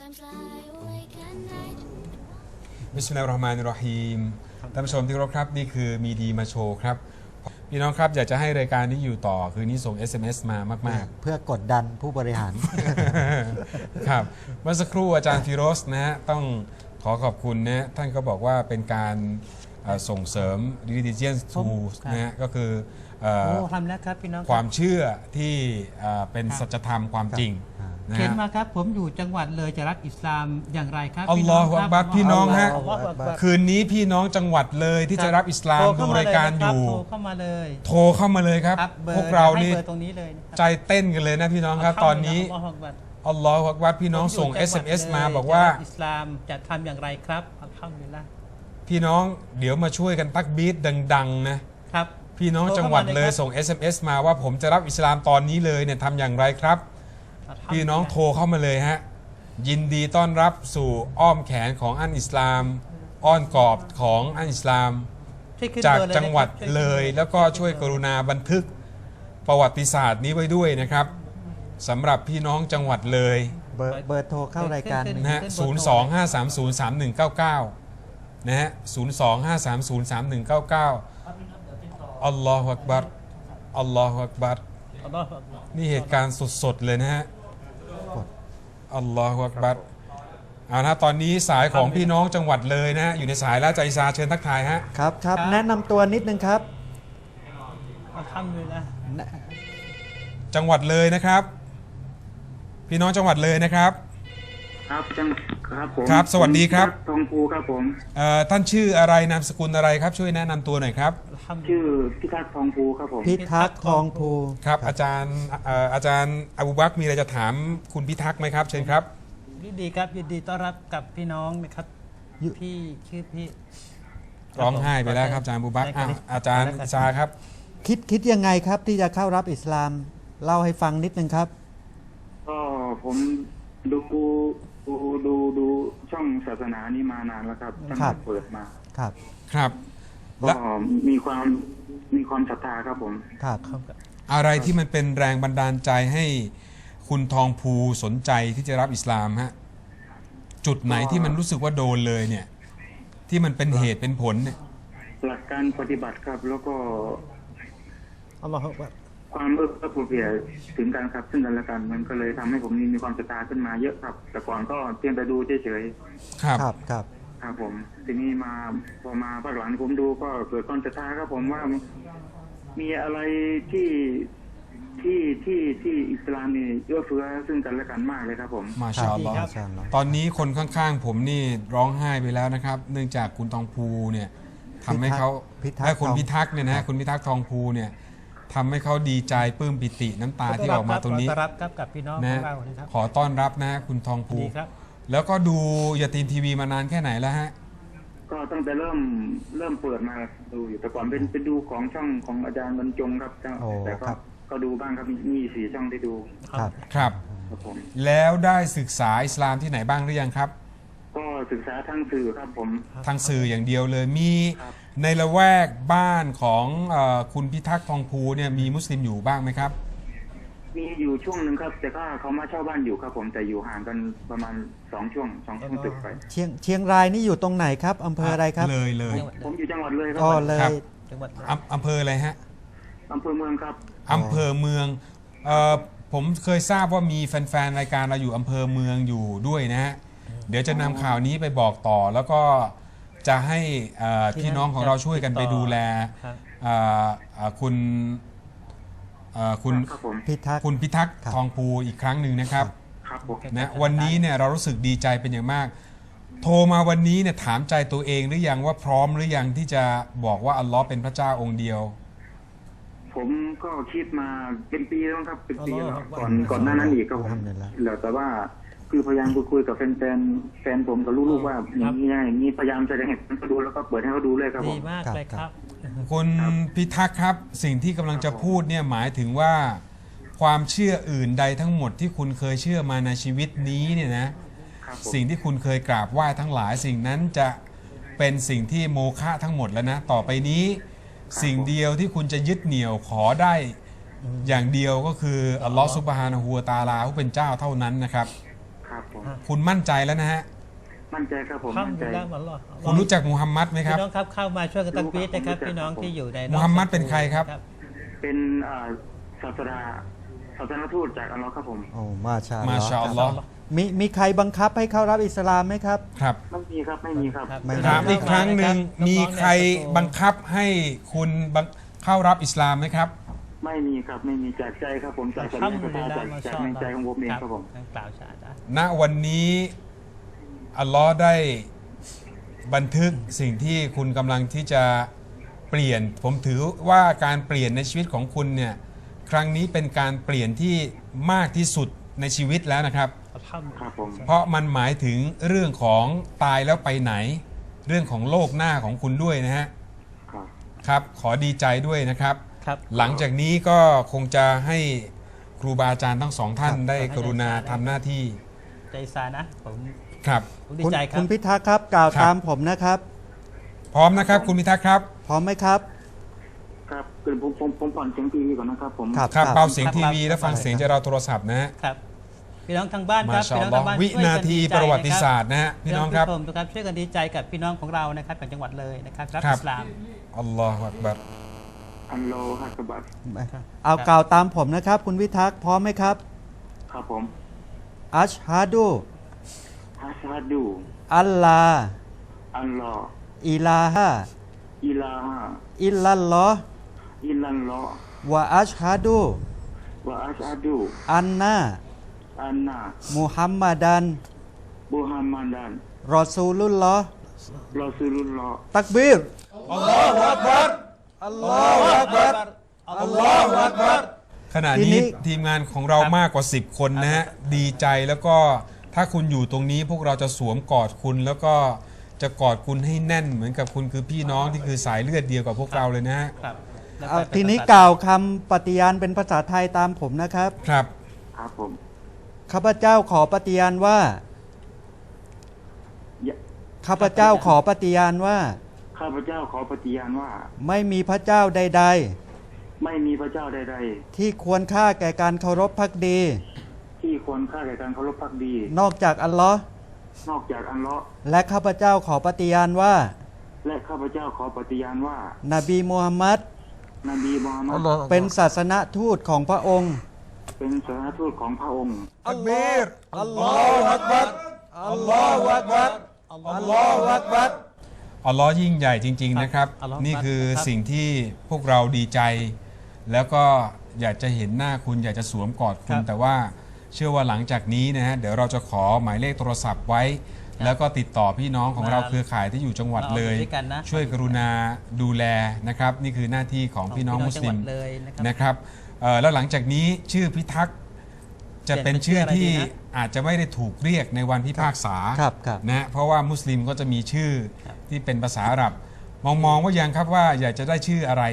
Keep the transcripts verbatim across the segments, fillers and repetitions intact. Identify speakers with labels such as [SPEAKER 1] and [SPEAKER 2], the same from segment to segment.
[SPEAKER 1] บิสมิลลาฮิรเราะห์มานิรเราะฮีมท่านผู้ชมที่เคารพครับนี่คือมีดีมาโชว์ครับพี่น้องครับอยากจะให้รายการนี้อยู่ต่อคืนนี้ส่ง เอส เอ็ม เอส มามาก
[SPEAKER 2] ๆเพื่อกดดันผู้บริหาร
[SPEAKER 1] ครับเมื่อสักครู่อาจารย์ฟิโรสนะฮะต้องขอขอบคุณนะท่านก็บอกว่าเป็นการส่งเสริม religious tools นะฮะก็คือ
[SPEAKER 3] ทำแล้วครับพี่น้อง
[SPEAKER 1] ความเชื่อที่เป็นสัจธรรมความจริง
[SPEAKER 3] เขียนมาครับผมอยู่จังหวัดเลยจะรับอิสลามอย่างไรครับ
[SPEAKER 1] อัลลอฮฺอักบัรพี่น้องฮะคืนนี้พี่น้องจังหวัดเลยที่จะรับอิสลามดูรายการอยู่
[SPEAKER 3] โทรเข้ามาเลย
[SPEAKER 1] โทรเข้ามาเลยครับพวกเรานี่ใจเต้นกันเลยนะพี่น้องครับตอนนี้อัลลอฮฺอักบัรพี่น้องส่ง เอส เอ็ม เอส มาบอกว่า
[SPEAKER 3] อิสลามจะทำอย่างไรครับอัลฮัมดุลิลละห์
[SPEAKER 1] พี่น้องเดี๋ยวมาช่วยกันตักบีดดังๆนะครับพี่น้องจังหวัดเลยส่ง เอส เอ็ม เอส มาว่าผมจะรับอิสลามตอนนี้เลยเนี่ยทำอย่างไรครับพี่น้องโทรเข้ามาเลยฮะยินดีต้อนรับสู่อ้อมแขนของอันอิสลามอ้อนกอบของอันอิสลามจากจังหวัดเลยแล้วก็ช่วยกรุณาบันทึกประวัติศาสตร์นี้ไว้ด้วยนะครับสำหรับพี่น้องจังหวัดเลย
[SPEAKER 2] เบอร์เบอร์โทรเข้ารายการ
[SPEAKER 1] นะฮะศูนย์ สอง ห้า สาม ศูนย์ สาม หนึ่ง เก้า เก้านะฮะศูนย์ สอง ห้า สาม ศูนย์ สาม หนึ่ง เก้า เก้าอัลลอฮฺอักบัรอัลลอฮฺอักบัรนี่เหตุการณ์สดๆเลยนะฮะอัลลอฮฺอักบัรเอานะตอนนี้สายของพี่น้องจังหวัดเลยนะฮะอยู่ในสายแล้วใจซาเชิญทักทายฮะ
[SPEAKER 2] ครับครับแนะนำตัวนิดนึงครับ
[SPEAKER 3] ทำเลยนะ
[SPEAKER 1] จังหวัดเลยนะครับพี่น้องจังหวัดเลยนะครับ
[SPEAKER 4] ครับจังครับผม
[SPEAKER 1] ครับสวัสดีครับ
[SPEAKER 4] ทองภูครับผม
[SPEAKER 1] เอ่อท่านชื่ออะไรนามสกุลอะไรครับช่วยแนะนำตัวหน่อยครับ
[SPEAKER 4] ชื่อพิทักษ์ทองภูครับผม
[SPEAKER 2] พิทักษ์ทองภู
[SPEAKER 1] ครับอาจารย์อาจารย์อบูบักรมีอะไรจะถามคุณพิทักษ์ไหมครับเชิญครับ
[SPEAKER 3] ยินดีครับยินดีต้อนรับกับพี่น้องนะครับพี่ชื่อพี่
[SPEAKER 1] ร้องไห้ไปแล้วครับอาจารย์อบูบักรอาจารย์ซาครับ
[SPEAKER 2] คิดคิดยังไงครับที่จะเข้ารับอิสลามเล่าให้ฟังนิดนึงครับ
[SPEAKER 4] ก็ผมดูดูดูดูช่องศาสนานี้มานานแล้วครับตั้งแต่เปิดมา
[SPEAKER 2] ครับ
[SPEAKER 1] ครับ
[SPEAKER 4] ก็มีความมีความศรัทธาครับผม
[SPEAKER 2] ครับ
[SPEAKER 1] อะไรที่มันเป็นแรงบันดาลใจให้คุณทองภูสนใจที่จะรับอิสลามฮะจุดไหนที่มันรู้สึกว่าโดนเลยเนี่ยที่มันเป็นเหตุเป็นผลเนี่ย
[SPEAKER 4] หลักการปฏิบัติครับแล้วก็
[SPEAKER 3] อัลลอฮฺ
[SPEAKER 4] ความเอื้อเฟื้อถึงกันครับซึ่งกันและกันมันก็เลยทำให้ผมมีความศรัทธาขึ้นมาเยอะครับแต่ก่อนก็เพียงแต่ดูเฉย
[SPEAKER 1] ๆครับ
[SPEAKER 2] ครับครับ
[SPEAKER 4] ครับผมทีนี้มาพอมาภาคหลังผมดูก็เกิดความศรัทธาครับผมว่ามีอะไรที่ที่ที่ที่อิสลามนี่เอื้อเฟื้อซึ่งกันและกันมากเลยครับผม
[SPEAKER 1] มาชาอัลลอฮ์ตอนนี้คนข้างๆผมนี่ร้องไห้ไปแล้วนะครับเนื่องจากคุณทองภูเนี่ยทำให้เขาให้คุณพิทักษ์เนี่ยนะคุณพิทักษ์ทองภูเนี่ยทำให้เขาดีใจปลื้มปิติน้ำตาที่ออกมาตรงนี้
[SPEAKER 3] ขอต้อนรับกับพี่น้องของเรา
[SPEAKER 1] นะครับขอต้อนรับนะคุณทองภูแล้วก็ดูยาตีนทีวีมานานแค่ไหนแล้วฮะ
[SPEAKER 4] ก็ตั้งแต่เริ่มเริ่มเปิดมาดูอยู่แต่ก่อนเป็นเป็นดูของช่องของอาจารย์บรรจงครับแต่ก็ก็ดูบ้างครับมีสี่ช่องได้ดู
[SPEAKER 1] ครับครับแล้วได้ศึกษาอิสลามที่ไหนบ้างหรือยังครับ
[SPEAKER 4] ก็ศึกษาทางสื่อครับผม
[SPEAKER 1] ทางสื่ออย่างเดียวเลยมีในละแวกบ้านของคุณพิทักษ์ทองภูเนี่ยมีมุสลิมอยู่บ้างไหมครับ
[SPEAKER 4] มีอยู่ช่วงหนึ่งครับแต่ก็เขามาเช่าบ้านอยู่ครับผมแต่อยู่ห่างกันประมาณสองช่วงสองช่วงตึกไป
[SPEAKER 2] เชียงเชียงรายนี่อยู่ตรงไหนครับอำเภออะไรครับ
[SPEAKER 1] เลยเลย
[SPEAKER 4] ผมอยู่จังหวัดเลยครับ
[SPEAKER 2] ก็เลย
[SPEAKER 3] จังหวัด
[SPEAKER 1] อำเภออะไรฮะ
[SPEAKER 4] อำเภอเมืองครับ
[SPEAKER 1] อำเภอเมืองเอ่อผมเคยทราบว่ามีแฟนๆรายการเราอยู่อำเภอเมืองอยู่ด้วยนะฮะเดี๋ยวจะนำข่าวนี้ไปบอกต่อแล้วก็จะให้พี่น้องของเราช่วยกันไปดูแลคุณคุณ
[SPEAKER 2] พิทักษ์
[SPEAKER 1] คุณพิทักษ์ทองภูอีกครั้งหนึ่งนะครับนะวันนี้เนี่ยเรารู้สึกดีใจเป็นอย่างมากโทรมาวันนี้เนี่ยถามใจตัวเองหรือยังว่าพร้อมหรือยังที่จะบอกว่าอัลลอฮ์เป็นพระเจ้าองค์เดียว
[SPEAKER 4] ผมก็คิดมาเป็นปีแล้วครับเป็นปีแล้วก่อนก่อนหน้านั้นอีกก็ผมแล้วแต่ว่าคือพยายามคุยกับแฟนแฟนแฟนผมกับลูกๆว่าอย่างนี้อย่างนี้พยายามจะให้เขาดูแล้วก็เปิดให้เขาดูเลยครับผม
[SPEAKER 3] ดีมากเลยครับ
[SPEAKER 1] คุณพิทักษ์ครับสิ่งที่กำลังจะพูดเนี่ยหมายถึงว่าความเชื่ออื่นใดทั้งหมดที่คุณเคยเชื่อมาในชีวิตนี้เนี่ยนะสิ่งที่คุณเคยกราบไหว้ทั้งหลายสิ่งนั้นจะเป็นสิ่งที่โมฆะทั้งหมดแล้วนะต่อไปนี้สิ่งเดียวที่คุณจะยึดเหนี่ยวขอได้อย่างเดียวก็คืออัลลอฮฺซุบฮานะฮูวะตะอาลาผู้เป็นเจ้าเท่านั้นนะครับ
[SPEAKER 4] ผม
[SPEAKER 1] คุณมั่นใจแล้วนะฮะ
[SPEAKER 4] มั่นใจครับผม
[SPEAKER 3] ข้าม
[SPEAKER 4] มั่น
[SPEAKER 3] อ
[SPEAKER 4] ใจ
[SPEAKER 3] ยู่แล้วหมดหรอ
[SPEAKER 1] คุณรู้จักมูฮัมหมัดไหมค
[SPEAKER 3] พี่
[SPEAKER 1] รับ
[SPEAKER 3] น้องครับเข้ามาช่วยกันตักบีดนะครับ
[SPEAKER 4] รู้ครับ
[SPEAKER 3] พี่น้อง
[SPEAKER 4] ผม
[SPEAKER 3] ที่อยู่ใน
[SPEAKER 1] มูฮัมหมัดเป็นใครครับ
[SPEAKER 4] เป็นอ่าศาสดาศาสนทูตจากอัลลอฮ์ครับผม
[SPEAKER 2] โอ้มาชาอัลลอฮ์
[SPEAKER 1] มาชาอัลลอฮ์
[SPEAKER 2] มีมีใครบังคับให้เข้ารับอิสลามไหมครับ
[SPEAKER 1] ครับ
[SPEAKER 4] ไม่มีครับไม่มีครับ
[SPEAKER 2] ไม่
[SPEAKER 1] ถามอีกครั้งหนึ่งมีใครบังคับให้คุณบังเข้ารับอิสลามไหมครับ
[SPEAKER 4] ไม่มีครับไม่มีจากใจครับผมจากสัญ
[SPEAKER 3] ข้าม
[SPEAKER 4] ญา
[SPEAKER 3] อยู่
[SPEAKER 4] ณ
[SPEAKER 3] แล้ว
[SPEAKER 4] จาก
[SPEAKER 3] มา
[SPEAKER 4] จาก
[SPEAKER 3] ชอบ
[SPEAKER 4] ในใจของผมเองครับผม
[SPEAKER 3] กล่าวชาดะ
[SPEAKER 1] ณวันนี้อัลลอฮ์ได้บันทึกสิ่งที่คุณกำลังที่จะเปลี่ยน ผมถือว่าการเปลี่ยนในชีวิตของคุณเนี่ยครั้งนี้เป็นการเปลี่ยนที่มากที่สุดในชีวิตแล้วนะครับ
[SPEAKER 3] ข้าม
[SPEAKER 4] ครับผม
[SPEAKER 1] เพราะมันหมายถึงเรื่องของตายแล้วไปไหน เรื่องของโลกหน้าของคุณด้วยนะฮะ
[SPEAKER 4] ครับ
[SPEAKER 1] ครับ ขอดีใจด้วยนะครับ
[SPEAKER 3] ครับ
[SPEAKER 1] หลังจากนี้ก็คงจะให้ครูบาอาจารย์ทั้งสองท่าน
[SPEAKER 2] ครับ
[SPEAKER 1] ได้กรุณาทำหน้าที่
[SPEAKER 3] ใจซานะผม
[SPEAKER 1] ครับ
[SPEAKER 3] ผมดี
[SPEAKER 2] คุณ
[SPEAKER 3] ใจครั
[SPEAKER 2] คุ
[SPEAKER 3] บ
[SPEAKER 2] ณพิทักษ์ครับกล่าว
[SPEAKER 1] ครับ
[SPEAKER 2] ตามผมนะครับ
[SPEAKER 1] พร้อมนะครับ คุณพิทักษ์ครับ
[SPEAKER 2] พร้อมไหมครับ
[SPEAKER 4] ครับคือผมผมผมผ่อนเสียงทีวีก่อนนะครับผม
[SPEAKER 2] ครับ
[SPEAKER 1] ครับเบาเสียง
[SPEAKER 3] ครับ
[SPEAKER 1] ทีวีและฟังเสียงจากเราโทรศัพท์นะฮะ
[SPEAKER 3] ครับพี่น้องทางบ้านค
[SPEAKER 1] มา
[SPEAKER 3] รับ
[SPEAKER 1] ชา
[SPEAKER 3] พี่
[SPEAKER 1] อั
[SPEAKER 3] น้
[SPEAKER 1] ล
[SPEAKER 3] อง
[SPEAKER 1] ลอ
[SPEAKER 3] ทา
[SPEAKER 1] ฮ์
[SPEAKER 3] งบ้าน
[SPEAKER 1] วิ
[SPEAKER 3] ช่วย
[SPEAKER 1] นา
[SPEAKER 3] กัน
[SPEAKER 1] ที
[SPEAKER 3] ดีใจ
[SPEAKER 1] ประวัติศาสตร์นะฮะพี่น้องครับ
[SPEAKER 3] พี่น้องครับช่วยกันดีใจกับพี่น้องของเรานะครับจากจังหวัดเลยนะครับรับ
[SPEAKER 1] ครับ
[SPEAKER 3] อิสลาม
[SPEAKER 1] อัลลอฮฺอักบัร
[SPEAKER 4] อัลโลฮักบัต
[SPEAKER 2] เอากล่าวตามผมนะครับ คุณพิทักษ์พร้อมไหมครับ
[SPEAKER 4] ครับผม
[SPEAKER 2] อัชฮะดู
[SPEAKER 4] ฮัสฮัดดู
[SPEAKER 2] อัลลา
[SPEAKER 4] อัลลอฮ์
[SPEAKER 2] อิลาฮะ
[SPEAKER 4] อิลาฮะ
[SPEAKER 2] อิลลัลลอฮ์
[SPEAKER 4] อิลลัลลอฮ์
[SPEAKER 2] วะอัชฮะดู
[SPEAKER 4] วะอัชฮัดู
[SPEAKER 2] อันนา
[SPEAKER 4] อันนา
[SPEAKER 2] มุฮัมมัดัน
[SPEAKER 4] บุฮัมมัดัน
[SPEAKER 2] รอซูลุลลอฮ์
[SPEAKER 4] รอซูลุลลอฮ์
[SPEAKER 2] ตักบีร
[SPEAKER 1] อัลลอฮฺอักบัร
[SPEAKER 2] อัลลอฮฺอักบัร
[SPEAKER 3] อัลลอฮฺอักบัร
[SPEAKER 1] ขณะ
[SPEAKER 2] ทีนี้
[SPEAKER 1] นี้ทีมงานของเรามากกว่า สิบ คนนะฮะดีใจแล้วก็ถ้าคุณอยู่ตรงนี้พวกเราจะสวมกอดคุณ แล้วก็จะกอดคุณให้แน่นเหมือนกับคุณคือพี่น้องที่คือสายเลือดเดียวกับพวกเราเลยนะฮะ
[SPEAKER 3] ครับแล้ว
[SPEAKER 2] เอา
[SPEAKER 3] ไป
[SPEAKER 2] ทีนี้
[SPEAKER 3] ปฏิบัติ
[SPEAKER 2] กล่าวคำปฏิญาณเป็นภาษาไทยตามผมนะครับ
[SPEAKER 1] ครับ
[SPEAKER 4] ครับผม
[SPEAKER 2] ข้าพเจ้าขอปฏิญาณว่า
[SPEAKER 4] ยะ
[SPEAKER 2] ข้าพเจ้าขอปฏิญาณว่า
[SPEAKER 4] ข้าพเจ้าขอปฏิญาณว่า
[SPEAKER 2] ไม่มีพระเจ้าใด
[SPEAKER 4] ไม่มีพระเจ้าใด
[SPEAKER 2] ๆ ที่ควรค่าแก่การเคารพพักดี
[SPEAKER 4] ๆ ที่ควรค่าแก่การเคารพภักดี
[SPEAKER 2] นอกจากอัลลอฮ์
[SPEAKER 4] นอกจากอัลเลาะห์
[SPEAKER 2] และข้าพเจ้าขอปฏิญาณว่า
[SPEAKER 4] และข้าพเจ้าขอปฏิญาณว่า
[SPEAKER 2] นบีมูฮัมมัด
[SPEAKER 4] นบีมูฮัมมัด
[SPEAKER 2] เป็นศาสนทูตของพระองค์
[SPEAKER 4] เป็นศาสนทูตของพระองค์
[SPEAKER 1] อักบีร
[SPEAKER 2] อัลลอฮฺอักบัรอัลลอฮฺอักบัรอัลลอฮฺอักบัร
[SPEAKER 1] อัลลอฮ์ยิ่งใหญ่จริง ๆ นะครับ
[SPEAKER 3] อัลลอฮ์
[SPEAKER 1] นี่คือ
[SPEAKER 3] ครับ
[SPEAKER 1] สิ่งที่พวกเราดีใจ แล้วก็อยากจะเห็นหน้าคุณอยากจะสวมกอดคุณ แต่ว่าเชื่อว่าหลังจากนี้นะฮะเดี๋ยวเราจะขอหมายเลขโทรศัพท์ไว้ แล้วก็ติดต่อพี่น้องของเราเครือข่ายที่อยู่จังหวัดเลย
[SPEAKER 3] มาเอาด้วยกันนะ
[SPEAKER 1] ช่วยกรุณาดูแลนะครับ นี่คือหน้าที่ของพี่น้องมุสลิม
[SPEAKER 3] จังหวัดเลยนะครับ
[SPEAKER 1] นะครับเอ่อแล้วหลังจากนี้ชื่อพิทักษ์จะเป็นชื่อที่อาจจะไม่ได้ถูกเรียกในวันพิพากษา
[SPEAKER 2] ครับครับ
[SPEAKER 1] นะฮะเพราะว่ามุสลิมก็จะมีชื่อที่เป็นภาษาอาหรับ มองมองว่ายังครับว่าอยากจะได้ชื่ออะไร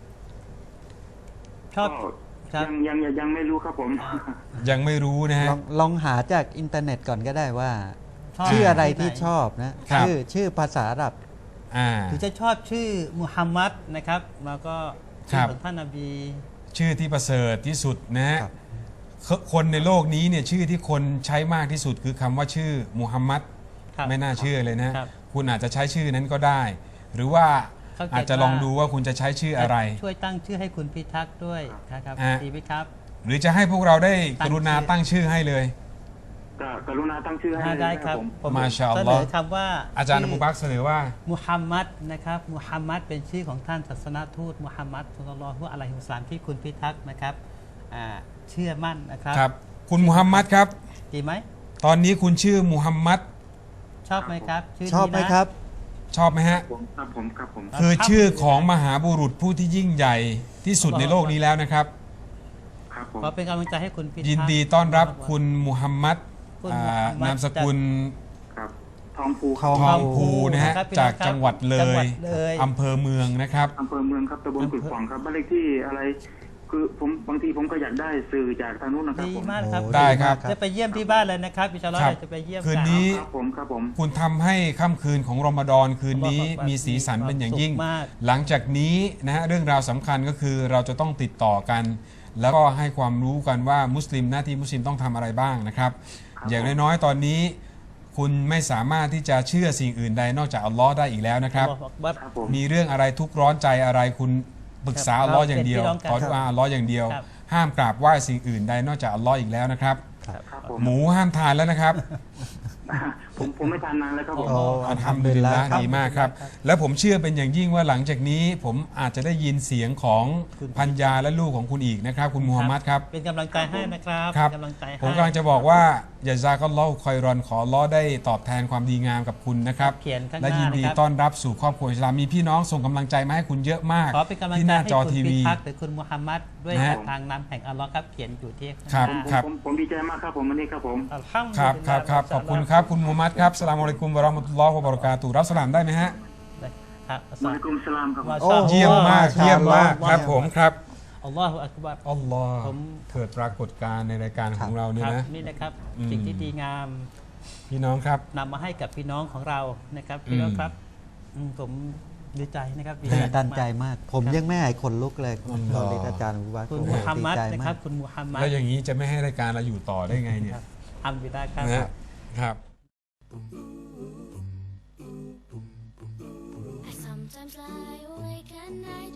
[SPEAKER 3] ชอบ
[SPEAKER 4] ก็
[SPEAKER 3] ครับ
[SPEAKER 4] ยังยังยังยังไม่รู้ครับผม
[SPEAKER 1] ยังไม่รู้นะฮะ
[SPEAKER 2] ลองลองหาจากอินเทอร์เน็ตก่อนก็ได้ว่า
[SPEAKER 3] ชอบ
[SPEAKER 2] ชื่ออะไรที่
[SPEAKER 3] ที่ไหน
[SPEAKER 2] ชอบนะ
[SPEAKER 1] ครับ
[SPEAKER 2] ชื่อชื่อภาษาอาหรับ
[SPEAKER 1] อ่า
[SPEAKER 3] หรือจะชอบชื่อมุฮัมมัดนะครับแล้วก็
[SPEAKER 1] ครั
[SPEAKER 3] ชื่
[SPEAKER 1] บ
[SPEAKER 3] อของท่านนบี
[SPEAKER 1] ชื่อที่ประเสริฐที่สุดนะฮะ
[SPEAKER 2] ครับ
[SPEAKER 1] คนในโลกนี้เนี่ยชื่อที่คนใช้มากที่สุดคือคำว่าชื่อมุฮัมมัด
[SPEAKER 3] ครับ
[SPEAKER 1] ไม่น่าเชื่อเลยนะ
[SPEAKER 3] ครับ
[SPEAKER 1] คุณอาจจะใช้ชื่อนั้นก็ได้ หรือว่า
[SPEAKER 3] เข้าใจ
[SPEAKER 1] อาจจะลองดูว่าคุณจะใช้ชื่ออะไร
[SPEAKER 3] ช่วยตั้งชื่อให้คุณพิทักษ์ด้วยนะครับ
[SPEAKER 1] อ่ะ
[SPEAKER 3] ดีไหมครับ
[SPEAKER 1] หรือจะให้พวกเราได้
[SPEAKER 3] ตั้
[SPEAKER 1] ก
[SPEAKER 3] ง
[SPEAKER 1] รุณา
[SPEAKER 3] ชื่อ
[SPEAKER 1] ตั้งชื่อให้เลย
[SPEAKER 4] ก็กรุณาตั้งชื่อให้
[SPEAKER 3] อ่า
[SPEAKER 4] เลย
[SPEAKER 3] ได้
[SPEAKER 4] นะ
[SPEAKER 3] ค
[SPEAKER 4] ค
[SPEAKER 3] รั
[SPEAKER 4] รั
[SPEAKER 3] บบ
[SPEAKER 4] ผม
[SPEAKER 3] ผม
[SPEAKER 1] มาชาอัล
[SPEAKER 3] เส
[SPEAKER 1] ล
[SPEAKER 3] น
[SPEAKER 1] อฮ์
[SPEAKER 3] อคำว่า
[SPEAKER 1] อาจารย์อบูบักรเสนอว่า
[SPEAKER 3] มุฮัมมัดนะครับมุฮัมมัดเป็นชื่อของท่านศาสนทูตมุฮัมมัดสุลลัลลอฮุอะลัยฮิวะซัลลัมที่คุณพิทักษ์นะครับอ่าเชื่อมั่นนะครับ
[SPEAKER 1] ครับ คุณมุฮัมมัดครับ
[SPEAKER 3] ดีไหม
[SPEAKER 1] ตอนนี้คุณชื่อมุฮัมมัด
[SPEAKER 3] ชอบไหมครับชื่
[SPEAKER 2] ชอบไหม
[SPEAKER 3] นี้นะ
[SPEAKER 2] ครับ
[SPEAKER 1] ชอบไหมฮะ
[SPEAKER 4] ผมครับผมครับผม
[SPEAKER 1] คือชื่อของมหาบุรุษผู้ที่ยิ่งใหญ่ที่สุดในโลกนี้แล้วนะครับ
[SPEAKER 4] ครับผม
[SPEAKER 3] ขอเป็นกำลังใจให้คุณพิทักษ์
[SPEAKER 1] ยินดีต้อนรับคุณมุฮัมมัด
[SPEAKER 3] คุณ
[SPEAKER 1] อ่า
[SPEAKER 3] มุฮัมมัด
[SPEAKER 1] นามสกุล
[SPEAKER 4] ครับทองภู
[SPEAKER 2] ทอง
[SPEAKER 1] ทองภูนะฮะ
[SPEAKER 3] ครับพี่น้อง
[SPEAKER 1] จากจังหวัดเล
[SPEAKER 3] จังหวั
[SPEAKER 1] ย
[SPEAKER 3] ดเลย
[SPEAKER 1] อำเภอเมืองนะครับ
[SPEAKER 4] อำเภอเมืองครับตำบลกุดขวางครับบ้านเลขที่อะไร คือผมบางทีผมก็อยากได้สื่อจากทางนู้นนะครับ
[SPEAKER 3] ดี
[SPEAKER 4] ผม
[SPEAKER 3] มากครับ
[SPEAKER 2] โอ้
[SPEAKER 1] ได้ครับ
[SPEAKER 3] จะไปเยี่ยมที่บ้านเลยนะครับอินชาอัลลอฮ์
[SPEAKER 1] ครับ
[SPEAKER 3] เราจะไปเยี่ยม
[SPEAKER 1] คืน
[SPEAKER 3] กั
[SPEAKER 1] นี้
[SPEAKER 4] ครับผมครับผม
[SPEAKER 1] คุณทำให้ค่ำคืนของรอมฎอนคืนนี้มีสีสันเป็นอย่างยิ่ง
[SPEAKER 3] มาก
[SPEAKER 1] หลังจากนี้นะฮะเรื่องราวสำคัญก็คือเราจะต้องติดต่อกัน แล้วก็ให้ความรู้กันว่ามุสลิมหน้าที่มุสลิมต้องทำอะไรบ้างนะครับอย่างน้อยๆตอนนี้ คุณไม่สามารถที่จะเชื่อสิ่งอื่นใดนอกจากอัลลอฮ์ได้อีกแล้วนะครับ
[SPEAKER 3] อัลลอฮฺอักบัร
[SPEAKER 4] ครับผม
[SPEAKER 1] มีเรื่องอะไรทุกข์ร้อนใจอะไรคุณปรึกษาอัลลอฮ์อย่างเดียว
[SPEAKER 3] เป็นพี่น้องกัน
[SPEAKER 1] ขอดุอาอัลลอฮ์อย่างเดียว
[SPEAKER 3] ครับ
[SPEAKER 1] ห้ามกราบไหว้สิ่งอื่นใดนอกจากอัลลอฮ์อีกแล้วนะครับ
[SPEAKER 4] ครับผม
[SPEAKER 1] หมูห้ามทานแล้วนะครับ
[SPEAKER 4] ผมผมไม่ทานนานแล้วครับผม
[SPEAKER 2] โอ้
[SPEAKER 1] อัลฮัมดุลิลละห์ดีมากครับ แล้วผมเชื่อเป็นอย่างยิ่งว่าหลังจากนี้ผมอาจจะได้ยินเสียงของพัญญาและลูกของคุณอีกนะครับ คุณมูฮัมหมัดครับ
[SPEAKER 3] เป็นกำลังใจให้นะครับ
[SPEAKER 1] ครับ
[SPEAKER 3] เป็นกำลังใจให้
[SPEAKER 1] ผมกำลังจะบอกว่าอย่าซาก็ลอฮ์คอยรอนขออัลลอฮ์ได้ตอบแทนความดีงามกับคุณนะครับ
[SPEAKER 3] เขียนข้างห
[SPEAKER 1] และ
[SPEAKER 3] น้า
[SPEAKER 1] ยินดี
[SPEAKER 3] นะครับ
[SPEAKER 1] ต้อนรับสู่ครอบครัวอิสลามมีพี่น้องส่งกำลังใจมาให้คุณเยอะมาก
[SPEAKER 3] ขอเป็นกำลัง
[SPEAKER 1] ที่
[SPEAKER 3] ใจ
[SPEAKER 1] หน้า
[SPEAKER 3] ให้
[SPEAKER 1] จอ
[SPEAKER 3] คุณ
[SPEAKER 1] ที
[SPEAKER 3] พิ
[SPEAKER 1] วี
[SPEAKER 3] ทักษ์หรือคุณมูฮัมหมัดด้วย
[SPEAKER 1] นะฮะ
[SPEAKER 3] ทางนำแห่งอัลลอฮ์ครับเขียนอยู่ที่
[SPEAKER 1] ครับ
[SPEAKER 3] ข้างหน้า
[SPEAKER 1] ครับ
[SPEAKER 4] ผมผมดีใจมากครับผมวันนี้ครับผม
[SPEAKER 3] อัลฮัมดุลิล
[SPEAKER 1] ค
[SPEAKER 3] ลา
[SPEAKER 1] รับ
[SPEAKER 3] ห์
[SPEAKER 1] ครับครับขอบคุณครับคุณมูฮัมหมัดครับสลามอะลัยกุมวะเราะห์มะตุลลอฮ์วะบะเราะกาตุฮ์รับสลามได้ไหมฮะ
[SPEAKER 3] ครับอัส
[SPEAKER 4] มา
[SPEAKER 3] ลา
[SPEAKER 4] ลิกุมสลามครับผม
[SPEAKER 3] วะ
[SPEAKER 2] โอ้
[SPEAKER 1] เยี่ยมมาก
[SPEAKER 2] มาชาอัลลอฮ์
[SPEAKER 1] เยี่ยมมากครับผมครับ
[SPEAKER 3] อัลลอฮฺอักบัร
[SPEAKER 1] อัลลอฮ์
[SPEAKER 3] ผม
[SPEAKER 1] เกิดปรากฏการณ์ในรายการของเราเนี่ย
[SPEAKER 3] ครับ
[SPEAKER 1] นะ
[SPEAKER 3] นี่นะครับ
[SPEAKER 1] อืม
[SPEAKER 3] สิ่งที่ดีงาม
[SPEAKER 1] พี่น้องครับ
[SPEAKER 3] นำมาให้กับพี่น้องของเรานะครับพี่น้อง
[SPEAKER 1] อืม
[SPEAKER 3] ครับอืมผมดีใจนะครับดี
[SPEAKER 2] ตื่นตันใจ
[SPEAKER 3] มาก
[SPEAKER 2] มาก ผมยังไม่หายขนลุกเลยคุณตอนนี้อาจารย์วิวัฒน์
[SPEAKER 3] คุณ
[SPEAKER 2] โอ้โห
[SPEAKER 3] มูฮัม
[SPEAKER 2] ดี
[SPEAKER 3] หมัด
[SPEAKER 2] ใจ
[SPEAKER 3] นะ
[SPEAKER 2] มา
[SPEAKER 3] ครั
[SPEAKER 2] ก
[SPEAKER 3] บคุณมูฮัมหมัด
[SPEAKER 1] แล้วอย่างนี้จะไม่ให้รายการเราอยู่ต่อได้ไงเนี่ย
[SPEAKER 3] อัลฮัมดุลิลลาห์ครับ
[SPEAKER 1] นะฮะครับ
[SPEAKER 5] I sometimes lie awake at night